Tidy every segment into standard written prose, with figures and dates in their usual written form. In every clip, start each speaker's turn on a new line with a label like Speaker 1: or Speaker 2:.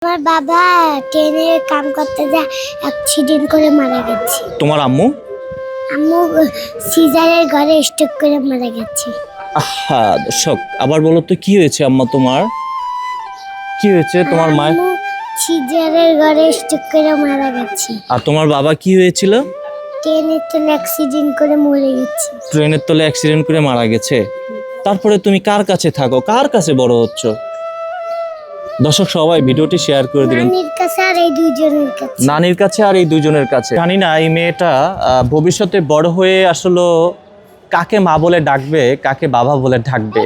Speaker 1: আমার বাবা ট্রেনে কাম করতে যা অ্যাক্সিডেন্ট করে মারা গেছে।
Speaker 2: তোমার আম্মু?
Speaker 1: আম্মু সিজারের ঘরে স্ট্রোক করে মারা গেছে।
Speaker 2: আহা দর্শক, আবার বলো তো কি হয়েছে আম্মা তোমার? কি হয়েছে তোমার মা?
Speaker 1: আম্মু সিজারের ঘরে স্ট্রোক করে মারা গেছে।
Speaker 2: আর তোমার বাবা কি হয়েছিল?
Speaker 1: ট্রেনের তলে অ্যাক্সিডেন্ট করে মরে গেছে।
Speaker 2: ট্রেনের তলে অ্যাক্সিডেন্ট করে মারা গেছে। তারপরে তুমি কার কাছে থাকো, কার কাছে বড় হচ্ছ? দর্শক সবাই ভিডিওটি শেয়ার করে দিবেন।
Speaker 1: নানির কাছে আর এই দুইজনের কাছে।
Speaker 2: নানির কাছে আর এই দুজনের কাছে। জানি না এই মেয়েটা ভবিষ্যতে বড় হয়ে আসলে কাকে মা বলে ডাকবে, কাকে বাবা বলে ডাকবে।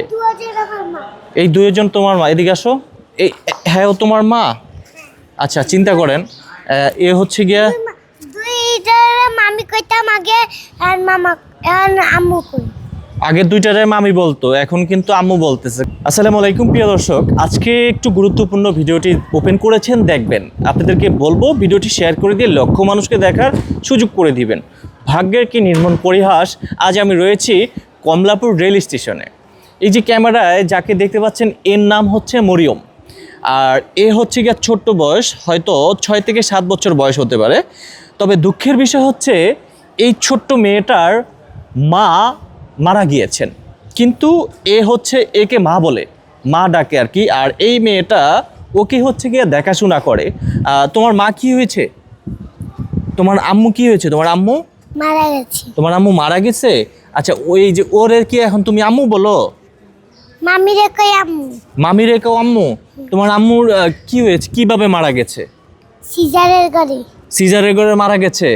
Speaker 2: এই দুইজন তোমার মা? এদিকে আসো। এই হ্যাঁ, ও তোমার মা? আচ্ছা, চিন্তা করেন, এ হচ্ছে গিয়া
Speaker 1: দুইটার মামি কইতাম আগে আর মামা আর আম্মু কই।
Speaker 2: আগে দুইটারে মামি বলতো, এখন কিন্তু আম্মু বলতেছে। আসসালামু আলাইকুম প্রিয় দর্শক, আজকে একটু গুরুত্বপূর্ণ ভিডিওটি ওপেন করেছেন, দেখবেন। আপনাদেরকে বলবো ভিডিওটি শেয়ার করে দিয়ে লক্ষ মানুষকে দেখার সুযোগ করে দিবেন। ভাগ্যের কি নির্মম পরিহাস, আজ আমি রয়েছি কমলাপুর রেল স্টেশনে। এই যে ক্যামেরায় যাকে দেখতে পাচ্ছেন, এর নাম হচ্ছে মরিয়ম। আর এ হচ্ছে গিয়ে ছোট্ট বয়স, হয়তো 6 থেকে 7 বছর বয়স হতে পারে। তবে দুঃখের বিষয় হচ্ছে এই ছোট্ট মেয়েটার মা মারা গিয়েছেন, কিন্তু এ হচ্ছে একে মা বলে, মা ডাকে আর কি। আর এই মেয়েটা ওকে হচ্ছে গিয়ে দেখাশোনা করে। তোমার মা কি হয়েছে? তোমার আম্মু কি হয়েছে? তোমার আম্মু
Speaker 1: মারা গেছে।
Speaker 2: তোমার আম্মু মারা গেছে। আচ্ছা, ওই যে ওর কি এখন তুমি আম্মু বলো?
Speaker 1: মামি রে কই আম্মু।
Speaker 2: মামি রেখেও আম্মু? তোমার আম্মুর কি হয়েছে, কিভাবে মারা গেছে?
Speaker 1: সিজারের ঘরে।
Speaker 2: সিজারের ঘরে মারা গেছে।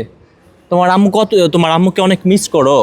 Speaker 2: তোমার আম্মুকে অনেক মিস করো?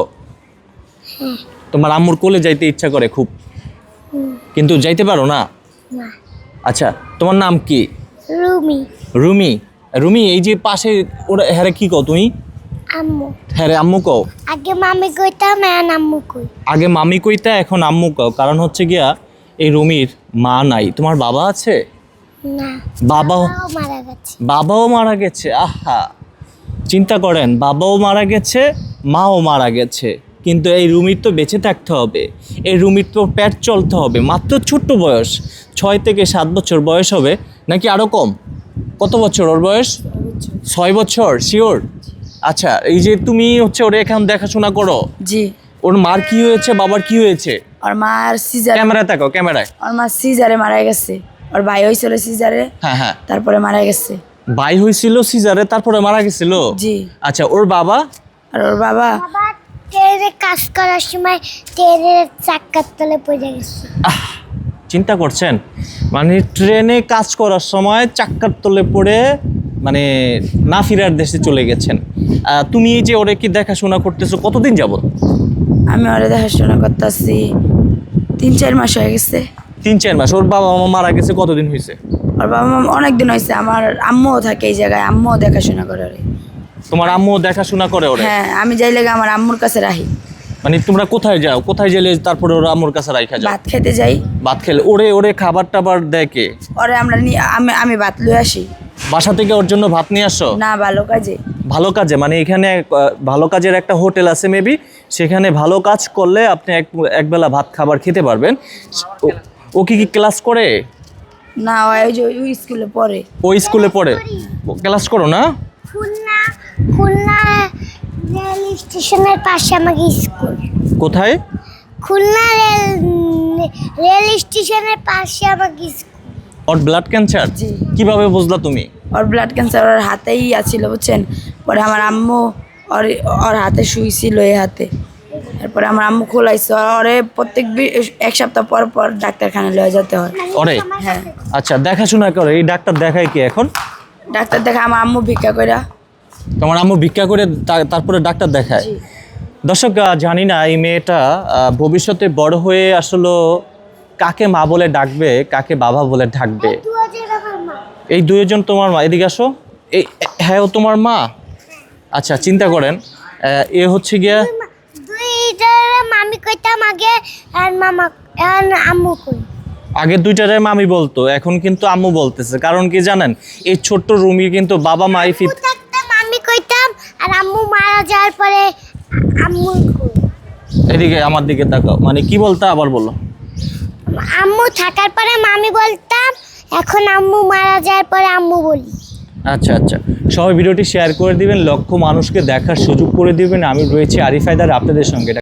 Speaker 2: তোমার আম্মুর কোলে যাইতে ইচ্ছা করে খুব, কিন্তু যাইতে পারো না?
Speaker 1: না।
Speaker 2: আচ্ছা, তোমার নাম কি?
Speaker 1: রুমি।
Speaker 2: রুমি। রুমি, এই যে পাশে ওরা হ্যারে কি কও তুমি?
Speaker 1: আম্মু।
Speaker 2: হ্যাঁ রে, আম্মু কও।
Speaker 1: আগে মামি কইতাম এখন আম্মু কই।
Speaker 2: আগে মামি কইতা, এখন আম্মু কও। কারণ হচ্ছে গিয়া এই রুমির মা নাই। তোমার বাবা আছে?
Speaker 1: না।
Speaker 2: বাবাও
Speaker 1: মারা গেছে।
Speaker 2: বাবাও মারা গেছে। আহা, চিন্তা করেন, বাবাও মারা গেছে, মাও মারা গেছে, কিন্তু এই রুমির তো বেঁচে থাকতে হবে, এই রুমির তো পেট চলতে হবে। মাত্র ছোট্ট বয়স, 6 থেকে 7 বছর বয়স হবে, নাকি আরও কম? কত বছর ওর বয়স? 6 বছর শিওর? আচ্ছা, এই যে তুমি হচ্ছে ওরে এখন দেখাশোনা করো।
Speaker 3: জি।
Speaker 2: ওর মার কি হয়েছে, বাবার কি হয়েছে?
Speaker 3: ওর মার সিজার,
Speaker 2: ক্যামেরায় তাকাও, ক্যামেরায়।
Speaker 3: ওর মা সিজারে মারা গেছে। ওর ভাই হয়েছিল সিজারে,
Speaker 2: হ্যাঁ হ্যাঁ,
Speaker 3: তারপরে মারা গেছে।
Speaker 2: ভাই হয়েছিল সিজারে, তারপরে মারা গেছিল।
Speaker 3: জি।
Speaker 2: আচ্ছা, ওর বাবা?
Speaker 3: আর ওর বাবা
Speaker 1: বাবা ট্রেনে কাজ করার সময় ট্রেনের চাক্কার তলে পড়ে গেছে।
Speaker 2: চিন্তা করছেন, মানে ট্রেনে কাজ করার সময় চাক্কার তলে পড়ে মানে না ফিরার দেশে চলে গেছেন। তুমি এই যে ওরে কি দেখাশোনা করতেছো কতদিন যাবত?
Speaker 3: আমি ওরে দেখাশোনা করতেছি 3-4 মাস হয়ে গেছে।
Speaker 2: 3-4 মাস। ওর বাবা মা মারা গেছে কতদিন হয়েছে?
Speaker 3: ওর বাবা মা অনেকদিন হয়েছে। আমার আম্মুও থাকে এই জায়গায়, আম্মুও দেখাশোনা করে ওরে।
Speaker 2: তোমার আম্মু দেখাশোনা করে ওরে?
Speaker 3: হ্যাঁ, আমি যাই লাগে আমার আম্মুর কাছে রাখি।
Speaker 2: মানে তোমরা কোথায় যাও, কোথায় গেলে তারপরে ওরা আম্মুর কাছে রাইখা যাও?
Speaker 3: ভাত খেতে যাই।
Speaker 2: ভাত খেলে ওরে ওরে খাবার টাবার দেয় কে?
Speaker 3: ওরে আমরা আমি ভাত লয়ে আসি।
Speaker 2: বাসা থেকে ওর জন্য ভাত নিয়ে আসো?
Speaker 3: না, ভালো কাজে।
Speaker 2: ভালো কাজে মানে এখানে ভালো কাজের একটা হোটেল আছে মেবি, সেখানে ভালো কাজ করলে আপনি একবেলা ভাত খাবার খেতে পারবেন। ও কি ক্লাস করে?
Speaker 3: না, ওই যে ওই স্কুলে পড়ে।
Speaker 2: ও স্কুলে পড়ে? ক্লাস করো না?
Speaker 1: খুলনা খুলনা রেল স্টেশনের পাশে আমাকে স্কুল।
Speaker 2: কোথায়?
Speaker 1: খুলনা রেল স্টেশনের পাশে আমাকে স্কুল।
Speaker 2: ওর ব্লাড ক্যান্সার?
Speaker 3: জি।
Speaker 2: কিভাবে বুঝলা তুমি?
Speaker 3: ওর ব্লাড ক্যান্সার ওর হাতেই আছিল, বুঝছেন। পরে আমার আম্মু ওর হাতে শুইছিল, এই হাতে। তারপরে আমার আম্মু খোলাইছে ওরে। প্রত্যেক এক সপ্তাহ পর পর ডাক্তারখানা লয়ে যেতে হয়
Speaker 2: ওরে?
Speaker 3: হ্যাঁ।
Speaker 2: আচ্ছা, দেখাশোনা করে এই ডাক্তার দেখায় কি এখন?
Speaker 3: ডাক্তার দেখা আমার আম্মু ভিক্ষা কইরা।
Speaker 2: তোমার আম্মু ভিক্ষা করে তারপরে ডাক্তার দেখায়?
Speaker 3: জি।
Speaker 2: দর্শক, জানি না এই মেয়েটা ভবিষ্যতে বড় হয়ে আসলে কাকে মা বলে ডাকবে, কাকে বাবা বলে ডাকবে। এই দুইজন তোমার মা? এদিকে আসো। এই হ্যাঁ, ও তোমার মা? আচ্ছা, চিন্তা করেন, এ হচ্ছে গিয়া
Speaker 1: দুইটার মামি কইতাম আগে আর মামা আর আম্মু কই।
Speaker 2: আগে দুইটারে মামি বলতো, এখন কিন্তু আম্মু বলতেছে। কারণ কি জানেন, এই ছোট্ট রুমি কিন্তু বাবা মাই
Speaker 1: মামি কইতাম আর আম্মু মারা যাওয়ার পরে আম্মু কই।
Speaker 2: এদিকে আমার দিকে তাকাও, মানে কি বলতে আবার বলো।
Speaker 1: আম্মু থাকার পরে মামি বলতাম, এখন আম্মু মারা যাওয়ার পরে আম্মু বলি।
Speaker 2: আচ্ছা আচ্ছা, সবাই ভিডিওটি শেয়ার করে দিবেন, লক্ষ মানুষকে দেখার সুযোগ করে দিবেন। আমি রয়েছি আরিফ হায়দার আপনাদের সঙ্গে।